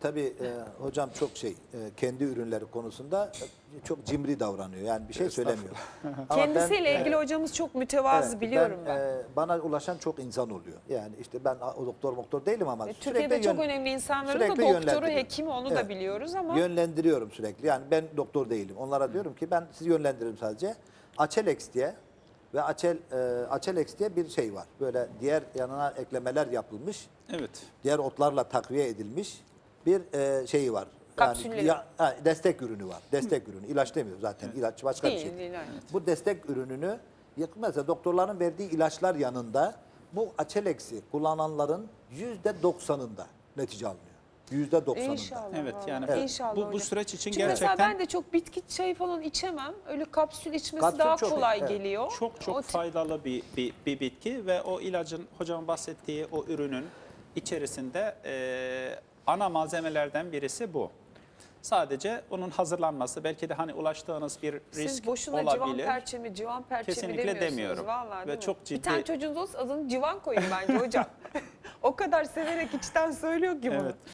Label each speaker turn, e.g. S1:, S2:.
S1: tabii hocam çok kendi ürünleri konusunda çok cimri davranıyor. Yani bir şey söylemiyor. Ama
S2: Kendisiyle ilgili hocamız çok mütevazı biliyorum ben.
S1: Bana ulaşan çok insan oluyor. Yani işte ben o doktor değilim ama
S2: Türkiye'de çok önemli insanların da
S1: sürekli
S2: doktoru,
S1: yönlendiriyorum.
S2: hekimi onu da biliyoruz ama.
S1: Yönlendiriyorum sürekli. Yani ben doktor değilim. Onlara diyorum ki ben sizi yönlendiririm sadece. Acelex diye ve Acelex diye bir şey var. Böyle diğer yanına eklemeler yapılmış.
S3: Evet.
S1: Diğer otlarla takviye edilmiş bir şeyi var.
S2: Kapsülleri.
S1: Destek ürünü var. Destek ürünü. İlaç demiyor zaten. İlaç başka bir şey.
S2: Değil, evet.
S1: Bu destek ürününü mesela doktorların verdiği ilaçlar yanında bu Acelex'i kullananların %90'ında netice alınıyor. %90'ında.
S2: İnşallah.
S3: Evet yani
S1: Evet.
S2: İnşallah
S3: bu
S2: hocam.
S3: süreç için
S2: Çünkü mesela
S3: gerçekten
S2: ben de çok bitki çayı falan içemem. Öyle kapsül içmesi
S1: Kapsül
S2: daha
S1: çok iyi,
S2: kolay
S1: evet.
S2: geliyor.
S3: çok
S2: O tip-
S3: faydalı bir bitki ve o ilacın hocam bahsettiği o ürünün içerisinde ana malzemelerden birisi bu. Sadece onun hazırlanması belki de hani ulaştığınız bir risk
S2: Siz boşuna
S3: olabilir.
S2: civan perçemi
S3: Kesinlikle
S2: demiyorsunuz.
S3: demiyorum.
S2: Vallahi,
S3: Ve
S2: değil mi?
S3: çok
S2: Bir tane
S3: ciddi-
S2: çocuğunuz olsa adını civan koyun bence hocam. O kadar severek içten söylüyor ki bunu.
S3: Evet.